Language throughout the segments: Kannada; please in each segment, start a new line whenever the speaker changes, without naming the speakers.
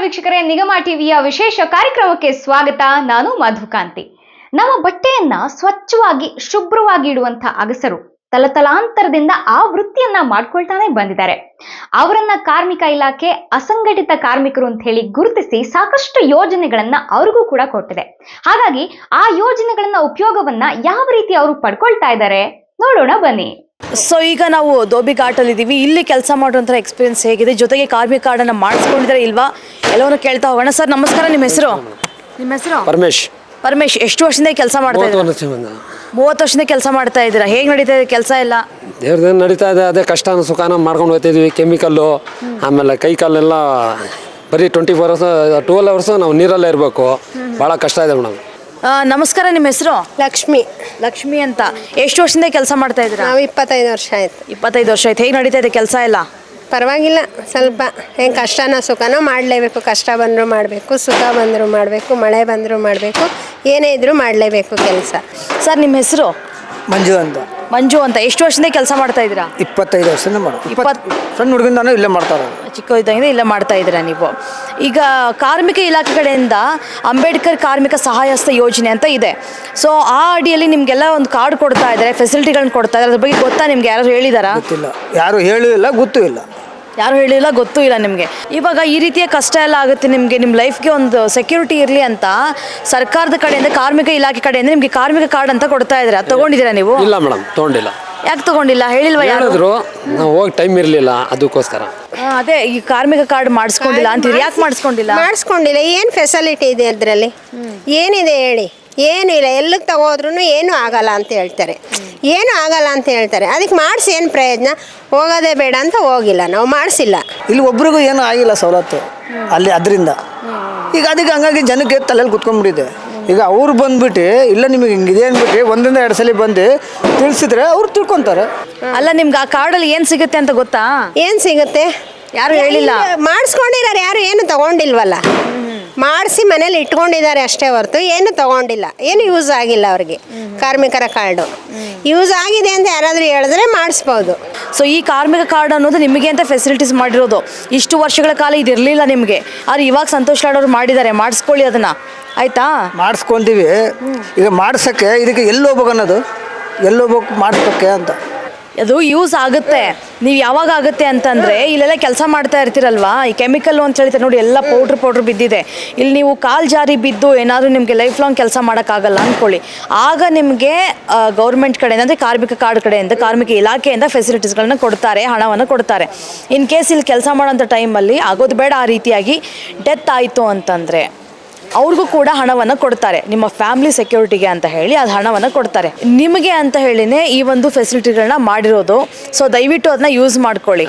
ವೀಕ್ಷಕರೇ, ನಿಗಮ ಟಿವಿಯ ವಿಶೇಷ ಕಾರ್ಯಕ್ರಮಕ್ಕೆ ಸ್ವಾಗತ. ನಾನು ಮಧುಕಾಂತಿ. ನಮ್ಮ ಬಟ್ಟೆಯನ್ನ ಸ್ವಚ್ಛವಾಗಿ ಶುಭ್ರವಾಗಿ ಇಡುವಂತ ಅಗಸರು ತಲತಲಾಂತರದಿಂದ ಆ ವೃತ್ತಿಯನ್ನ ಮಾಡ್ಕೊಳ್ತಾನೆ ಬಂದಿದ್ದಾರೆ. ಅವರನ್ನ ಕಾರ್ಮಿಕ ಇಲಾಖೆ ಅಸಂಘಟಿತ ಕಾರ್ಮಿಕರು ಅಂತ ಹೇಳಿ ಗುರುತಿಸಿ ಸಾಕಷ್ಟು ಯೋಜನೆಗಳನ್ನ ಅವ್ರಿಗೂ ಕೂಡ ಕೊಟ್ಟಿದೆ. ಹಾಗಾಗಿ ಆ ಯೋಜನೆಗಳನ್ನ ಉಪಯೋಗವನ್ನ ಯಾವ ರೀತಿ ಅವರು ಪಡ್ಕೊಳ್ತಾ ಇದ್ದಾರೆ ನೋಡೋಣ ಬನ್ನಿ.
ಸೊ ಈಗ ನಾವು ಧೋಬಿ ಘಾಟಲ್ಲಿ ಇದ್ದೀವಿ. ಇಲ್ಲಿ ಕೆಲಸ ಮಾಡುವಂಥ ಎಕ್ಸ್ಪೀರಿಯನ್ಸ್ ಹೇಗಿದೆ, ಜೊತೆಗೆ ಕಾರ್ಮಿಕ ಕಾರ್ಡನ್ನು ಮಾಡಿಸ್ಕೊಂಡಿದ್ದಾರೆ ಇಲ್ವಾ ಎಲ್ಲವನ್ನೂ ಕೇಳ್ತಾ ಹೋಗೋಣ. ಸರ್ ನಮಸ್ಕಾರ, ನಿಮ್ಮ ಹೆಸರು? ಪರಮೇಶ್. ಎಷ್ಟು ವರ್ಷದಿಂದ ಕೆಲಸ ಮಾಡ್ತಾ ಇದ್ದೀರಾ? 30 ವರ್ಷದಿಂದ ಕೆಲಸ ಮಾಡ್ತಾ ಇದ್ದೀರಾ. ಹೇಗೆ ನಡೀತಾ ಇದೆ ಕೆಲಸ ಎಲ್ಲ?
ದೇವ್ರದೇನು ನಡೀತಾ ಇದೆ, ಅದೇ ಕಷ್ಟನ ಸುಖಾನ ಮಾಡ್ಕೊಂಡು ಹೋಗ್ತಿದ್ವಿ. ಕೆಮಿಕಲ್ಲು ಆಮೇಲೆ ಕೈ ಕಾಲೆಲ್ಲ ಬರೀ 12 ಅವರ್ಸ್ ನಾವು ನೀರಲ್ಲೇ ಇರಬೇಕು. ಭಾಳ ಕಷ್ಟ ಇದೆ ಮೇಡಮ್.
ನಮಸ್ಕಾರ, ನಿಮ್ಮ ಹೆಸರು?
ಲಕ್ಷ್ಮಿ
ಅಂತ. ಎಷ್ಟು ವರ್ಷದಿಂದ ಕೆಲಸ ಮಾಡ್ತಾ ಇದ್ದೀರಾ?
ನಾವು 25 ವರ್ಷ ಆಯ್ತು.
25 ವರ್ಷ ಆಯ್ತು. ಹೇಗೆ ನಡೀತಾ ಇದೆ ಕೆಲಸ ಎಲ್ಲ?
ಪರವಾಗಿಲ್ಲ, ಸ್ವಲ್ಪ ಹೆಂಗೆ ಕಷ್ಟನ ಸುಖನೋ ಮಾಡಲೇಬೇಕು. ಕಷ್ಟ ಬಂದರೂ ಮಾಡಬೇಕು, ಸುಖ ಬಂದರೂ ಮಾಡಬೇಕು, ಮಳೆ ಬಂದರೂ ಮಾಡಬೇಕು, ಏನೇ ಇದ್ರೂ ಮಾಡಲೇಬೇಕು ಕೆಲಸ.
ಸರ್ ನಿಮ್ಮ ಹೆಸರು? ಮಂಜು ಅಂತ. ಎಷ್ಟು ವರ್ಷದಿಂದ ಕೆಲಸ ಮಾಡ್ತಾ ಇದ್ದೀರಾ?
25 ವರ್ಷದಿಂದ ಸಣ್ಣ ಹುಡುಗಿಂದಾನು ಇಲ್ಲೇ ಮಾಡ್ತಾರೆ.
ಚಿಕ್ಕ ಇದ್ದಂಗೆ ಇಲ್ಲೇ ಮಾಡ್ತಾ ಇದ್ದೀರಾ ನೀವು. ಈಗ ಕಾರ್ಮಿಕ ಇಲಾಖೆ ಕಡೆಯಿಂದ ಅಂಬೇಡ್ಕರ್ ಕಾರ್ಮಿಕ ಸಹಾಯಹಸ್ತ ಯೋಜನೆ ಅಂತ ಇದೆ. ಸೊ ಆ ಅಡಿಯಲ್ಲಿ ನಿಮಗೆಲ್ಲ ಒಂದು ಕಾರ್ಡ್ ಕೊಡ್ತಾ ಇದ್ದಾರೆ, ಫೆಸಿಲಿಟಿಗಳನ್ನ ಕೊಡ್ತಾ ಇದ್ದಾರೆ. ಅದ್ರ ಬಗ್ಗೆ ಗೊತ್ತಾ ನಿಮ್ಗೆ? ಯಾರು ಹೇಳಿದಾರಾ?
ಗೊತ್ತಿಲ್ಲ, ಯಾರು ಹೇಳಿಲ್ಲ, ಗೊತ್ತೂ ಇಲ್ಲ.
ಯಾರು ಹೇಳಿಲ್ಲ, ಗೊತ್ತೂ ಇಲ್ಲ ನಿಮಗೆ. ಇವಾಗ ಈ ರೀತಿಯ ಕಷ್ಟ ಎಲ್ಲ ಆಗುತ್ತೆ ನಿಮಗೆ, ನಿಮ್ಮ ಲೈಫ್ಗೆ ಒಂದು ಸೆಕ್ಯೂರಿಟಿ ಇರಲಿ ಅಂತ ಸರ್ಕಾರದ ಕಡೆಯಿಂದ, ಕಾರ್ಮಿಕ ಇಲಾಖೆ ಕಡೆಯಿಂದ ನಿಮಗೆ ಕಾರ್ಮಿಕ ಕಾರ್ಡ್ ಅಂತ ಕೊಡ್ತಾ ಇದ್ದಾರೆ. ಅದು ತಗೊಂಡಿದ್ದೀರಾ ನೀವು?
ಇಲ್ಲ ಮೇಡಮ್, ತಗೊಂಡಿಲ್ಲ.
ಯಾಕೆ ತಗೊಂಡಿಲ್ಲ? ಹೇಳಿಲ್ವಾ ಯಾರು?
ನಾವು ಹೋಗಿ ಟೈಮ್ ಇರಲಿಲ್ಲ, ಅದಕ್ಕೋಸ್ಕರ.
ಅದೇ ಈ ಕಾರ್ಮಿಕ ಕಾರ್ಡ್ ಮಾಡಿಸ್ಕೊಂಡಿಲ್ಲ ಅಂತೀರಿ. ಯಾಕೆ ಮಾಡಿಸ್ಕೊಂಡಿಲ್ಲ?
ಏನು ಫೆಸಿಲಿಟಿ ಇದೆ ಅದರಲ್ಲಿ? ಏನಿದೆ ಹೇಳಿ? ಏನೂ ಇಲ್ಲ. ಎಲ್ಲಿಗೆ ತಗೋದ್ರೂ ಏನೂ ಆಗಲ್ಲ ಅಂತ ಹೇಳ್ತಾರೆ. ಅದಕ್ಕೆ ಮಾಡಿಸಿ ಏನು ಪ್ರಯೋಜನ? ಹೋಗೋದೇ ಬೇಡ ಅಂತ ಹೋಗಿಲ್ಲ, ನಾವು ಮಾಡಿಸಿಲ್ಲ.
ಇಲ್ಲಿ ಒಬ್ರಿಗೂ ಏನೂ ಆಗಿಲ್ಲ ಸವಲತ್ತು ಅಲ್ಲಿ, ಅದರಿಂದ ಈಗ ಅದಕ್ಕೆ ಹಂಗಾಗಿ ಜನಕ್ಕೆ ತಲೆಯಲ್ಲಿ ಕುತ್ಕೊಂಡ್ಬಿಟ್ಟಿದೆ. ಈಗ ಅವ್ರು ಬಂದ್ಬಿಟ್ಟು ಇಲ್ಲ ನಿಮಗೆ ಹಿಂಗಿದೆ ಅಂದ್ಬಿಟ್ಟು 1-2 ಸಲ ಬಂದು ತಿಳಿಸಿದ್ರೆ ಅವ್ರು ತಿಳ್ಕೊತಾರೆ.
ಅಲ್ಲ, ನಿಮ್ಗೆ ಆ ಕಾರ್ಡಲ್ಲಿ ಏನು ಸಿಗುತ್ತೆ ಅಂತ ಗೊತ್ತಾ?
ಏನು ಸಿಗುತ್ತೆ?
ಯಾರು ಹೇಳಿಲ್ಲ.
ಮಾಡಿಸ್ಕೊಂಡಿದ್ದಾರೆ, ಯಾರು ಏನು ತಗೊಂಡಿಲ್ವಲ್ಲ. ಮಾಡಿಸಿ ಮನೇಲಿ ಇಟ್ಕೊಂಡಿದ್ದಾರೆ ಅಷ್ಟೇ ಹೊರತು ಏನು ತಗೊಂಡಿಲ್ಲ. ಏನು ಯೂಸ್ ಆಗಿಲ್ಲ ಅವ್ರಿಗೆ ಕಾರ್ಮಿಕರ ಕಾರ್ಡು. ಯೂಸ್ ಆಗಿದೆ ಅಂತ ಯಾರಾದರೂ ಹೇಳಿದ್ರೆ ಮಾಡಿಸ್ಬೋದು.
ಸೊ ಈ ಕಾರ್ಮಿಕ ಕಾರ್ಡ್ ಅನ್ನೋದು ನಿಮಗೆ ಅಂತ ಫೆಸಿಲಿಟೀಸ್ ಮಾಡಿರೋದು. ಇಷ್ಟು ವರ್ಷಗಳ ಕಾಲ ಇದಿರಲಿಲ್ಲ ನಿಮಗೆ, ಆದರೆ ಇವಾಗ ಸಂತೋಷ್ ಲಾಡ್ ಅವರು ಮಾಡಿದ್ದಾರೆ. ಮಾಡಿಸ್ಕೊಳ್ಳಿ ಅದನ್ನ, ಆಯ್ತಾ?
ಮಾಡಿಸ್ಕೊಂತೀವಿ. ಈಗ ಮಾಡ್ಸೋಕ್ಕೆ ಇದಕ್ಕೆ ಎಲ್ಲಿ ಹೋಗ್ಬೇಕು ಅನ್ನೋದು, ಎಲ್ಲಿ ಹೋಗ್ಬೇಕು ಮಾಡಿಸ್ಬೇಕೆ ಅಂತ.
ಅದು ಯೂಸ್ ಆಗುತ್ತೆ. ನೀವು ಯಾವಾಗ ಆಗುತ್ತೆ ಅಂತಂದರೆ, ಇಲ್ಲೆಲ್ಲ ಕೆಲಸ ಮಾಡ್ತಾ ಇರ್ತೀರಲ್ವಾ, ಈ ಕೆಮಿಕಲ್ಲು ಅಂತ ಹೇಳ್ತಾರೆ ನೋಡಿ, ಎಲ್ಲ ಪೌಡ್ರ್ ಬಿದ್ದಿದೆ. ಇಲ್ಲಿ ನೀವು ಕಾಲು ಜಾರಿ ಬಿದ್ದು ಏನಾದರೂ ನಿಮಗೆ ಲೈಫ್ ಲಾಂಗ್ ಕೆಲಸ ಮಾಡೋಕ್ಕಾಗಲ್ಲ ಅಂದ್ಕೊಳ್ಳಿ. ಆಗ ನಿಮಗೆ ಗೌರ್ಮೆಂಟ್ ಕಡೆಯಿಂದ, ಅಂದರೆ ಕಾರ್ಮಿಕ ಕಾರ್ಡ್ ಕಡೆಯಿಂದ, ಕಾರ್ಮಿಕ ಇಲಾಖೆಯಿಂದ ಫೆಸಿಲಿಟೀಸ್ಗಳನ್ನ ಕೊಡ್ತಾರೆ, ಹಣವನ್ನು ಕೊಡ್ತಾರೆ. ಇನ್ ಕೇಸ್ ಇಲ್ಲಿ ಕೆಲಸ ಮಾಡೋಂಥ ಟೈಮಲ್ಲಿ ಆಗೋದು ಬೇಡ, ಆ ರೀತಿಯಾಗಿ ಡೆತ್ ಆಯಿತು ಅಂತಂದರೆ ಅವ್ರಿಗೂ ಕೂಡ ಹಣವನ್ನು ಕೊಡ್ತಾರೆ. ನಿಮ್ಮ ಫ್ಯಾಮಿಲಿ ಸೆಕ್ಯೂರಿಟಿಗೆ ಅಂತ ಹೇಳಿ ಅದು ಹಣವನ್ನು ಕೊಡ್ತಾರೆ. ನಿಮಗೆ ಅಂತ ಹೇಳಿನೇ ಈ ಒಂದು ಫೆಸಿಲಿಟಿಗಳನ್ನ ಮಾಡಿರೋದು. ಸೊ ದಯವಿಟ್ಟು ಅದನ್ನ ಯೂಸ್ ಮಾಡ್ಕೊಳ್ಳಿ.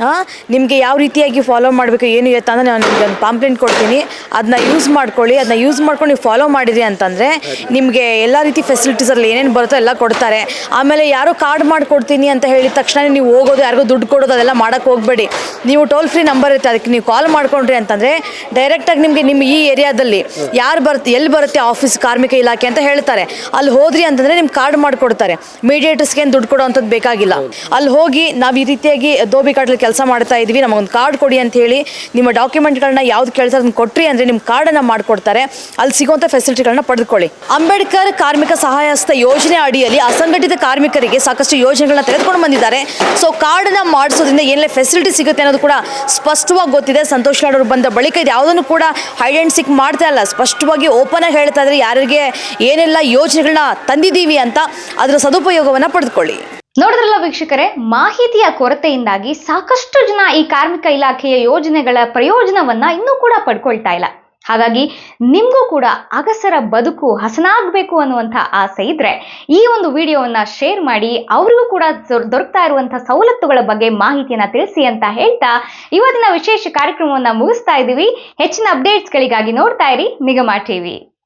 ನಿಮಗೆ ಯಾವ ರೀತಿಯಾಗಿ ಫಾಲೋ ಮಾಡಬೇಕು ಏನು ಇರುತ್ತೆ ಅಂದರೆ ನಾನು ನಿಮಗೆ ಒಂದು ಪಾಂಪ್ಲೆಂಟ್ ಕೊಡ್ತೀನಿ, ಅದನ್ನ ಯೂಸ್ ಮಾಡ್ಕೊಳ್ಳಿ. ಅದನ್ನ ಯೂಸ್ ಮಾಡ್ಕೊಂಡು ನೀವು ಫಾಲೋ ಮಾಡಿರಿ ಅಂತಂದರೆ ನಿಮಗೆ ಎಲ್ಲ ರೀತಿ ಫೆಸಿಲಿಟೀಸಲ್ಲಿ ಏನೇನು ಬರುತ್ತೋ ಎಲ್ಲ ಕೊಡ್ತಾರೆ. ಆಮೇಲೆ ಯಾರೋ ಕಾರ್ಡ್ ಮಾಡಿಕೊಡ್ತೀನಿ ಅಂತ ಹೇಳಿದ ತಕ್ಷಣ ನೀವು ಹೋಗೋದು, ಯಾರಿಗೂ ದುಡ್ಡು ಕೊಡೋದು ಅದೆಲ್ಲ ಮಾಡೋಕ್ಕೆ ಹೋಗಬೇಡಿ. ನೀವು ಟೋಲ್ ಫ್ರೀ ನಂಬರ್ ಇರುತ್ತೆ, ಅದಕ್ಕೆ ನೀವು ಕಾಲ್ ಮಾಡ್ಕೊಂಡ್ರಿ ಅಂತಂದರೆ ಡೈರೆಕ್ಟಾಗಿ ನಿಮಗೆ ನಿಮ್ಮ ಈ ಏರಿಯಾದಲ್ಲಿ ಯಾರು ಬರುತ್ತೆ, ಎಲ್ಲಿ ಬರುತ್ತೆ ಆಫೀಸ್ ಕಾರ್ಮಿಕ ಇಲಾಖೆ ಅಂತ ಹೇಳ್ತಾರೆ. ಅಲ್ಲಿ ಹೋದ್ರಿ ಅಂತಂದರೆ ನಿಮ್ಗೆ ಕಾರ್ಡ್ ಮಾಡಿಕೊಡ್ತಾರೆ. ಮೀಡಿಯೇಟರ್ಸ್ಗೆ ಏನು ದುಡ್ಡು ಕೊಡೋ ಅಂಥದ್ದು ಬೇಕಾಗಿಲ್ಲ. ಅಲ್ಲಿ ಹೋಗಿ ನಾವು ಈ ರೀತಿಯಾಗಿ ಧೋಬಿ ಘಾಟಲ್ಲಿ ಕೆಲಸ ಮಾಡ್ತಾ ಇದ್ವಿ, ನಮಗೊಂದು ಕಾರ್ಡ್ ಕೊಡಿ ಅಂತ ಹೇಳಿ ನಿಮ್ಮ ಡಾಕ್ಯುಮೆಂಟ್ಗಳನ್ನ ಯಾವ್ದು ಕೇಳ್ತಾರೆ ಅದನ್ನು ಕೊಟ್ರಿ ಅಂದರೆ ನಿಮ್ಮ ಕಾರ್ಡನ್ನು ಮಾಡಿಕೊಡ್ತಾರೆ. ಅಲ್ಲಿ ಸಿಗುವಂಥ ಫೆಸಿಲಿಟಿಗಳನ್ನ ಪಡೆದುಕೊಳ್ಳಿ. ಅಂಬೇಡ್ಕರ್ ಕಾರ್ಮಿಕ ಸಹಾಯಹಸ್ತ ಯೋಜನೆ ಅಡಿಯಲ್ಲಿ ಅಸಂಘಟಿತ ಕಾರ್ಮಿಕರಿಗೆ ಸಾಕಷ್ಟು ಯೋಜನೆಗಳನ್ನ ತೆಗೆದುಕೊಂಡು ಬಂದಿದ್ದಾರೆ. ಸೊ ಕಾರ್ಡನ್ನ ಮಾಡಿಸೋದ್ರಿಂದ ಏನೆಲ್ಲ ಫೆಸಿಲಿಟಿ ಸಿಗುತ್ತೆ ಅನ್ನೋದು ಕೂಡ ಸ್ಪಷ್ಟವಾಗಿ ಗೊತ್ತಿದೆ. ಸಂತೋಷ್ ಲಾಡ್ ಅವರು ಬಂದ ಬಳಿಕ ಇದು ಯಾವುದನ್ನು ಕೂಡ ಹೈಡ್ ಆ್ಯಂಡ್ ಸಿಕ್ ಮಾಡ್ತಾ ಇಲ್ಲ, ಸ್ಪಷ್ಟವಾಗಿ ಓಪನ್ ಆಗಿ ಹೇಳ್ತಾ ಇದ್ರೆ ಯಾರಿಗೆ ಏನೆಲ್ಲ ಯೋಜನೆಗಳನ್ನ ತಂದಿದ್ದೀವಿ ಅಂತ ಅದರ ಸದುಪಯೋಗವನ್ನ ಪಡೆದುಕೊಳ್ಳಿ.
ನೋಡಿದ್ರಲ್ಲ ವೀಕ್ಷಕರೇ, ಮಾಹಿತಿಯ ಕೊರತೆಯಿಂದಾಗಿ ಸಾಕಷ್ಟು ಜನ ಈ ಕಾರ್ಮಿಕ ಇಲಾಖೆಯ ಯೋಜನೆಗಳ ಪ್ರಯೋಜನವನ್ನ ಇನ್ನೂ ಕೂಡ ಪಡ್ಕೊಳ್ತಾ ಇಲ್ಲ. ಹಾಗಾಗಿ ನಿಮಗೂ ಕೂಡ ಅಗಸರ ಬದುಕು ಹಸನಾಗಬೇಕು ಅನ್ನುವಂಥ ಆಸೆ ಇದ್ರೆ ಈ ಒಂದು ವಿಡಿಯೋವನ್ನ ಶೇರ್ ಮಾಡಿ, ಅವರಿಗೂ ಕೂಡ ದೊರಕ್ತಾ ಇರುವಂತಹ ಸವಲತ್ತುಗಳ ಬಗ್ಗೆ ಮಾಹಿತಿಯನ್ನ ತಿಳಿಸಿ ಅಂತ ಹೇಳ್ತಾ ಇವತ್ತಿನ ವಿಶೇಷ ಕಾರ್ಯಕ್ರಮವನ್ನ ಮುಗಿಸ್ತಾ ಇದ್ದೀವಿ. ಹೆಚ್ಚಿನ ಅಪ್ಡೇಟ್ಸ್ಗಳಿಗಾಗಿ ನೋಡ್ತಾ ಇರಿ ನಿಗಮ ಟಿವಿ.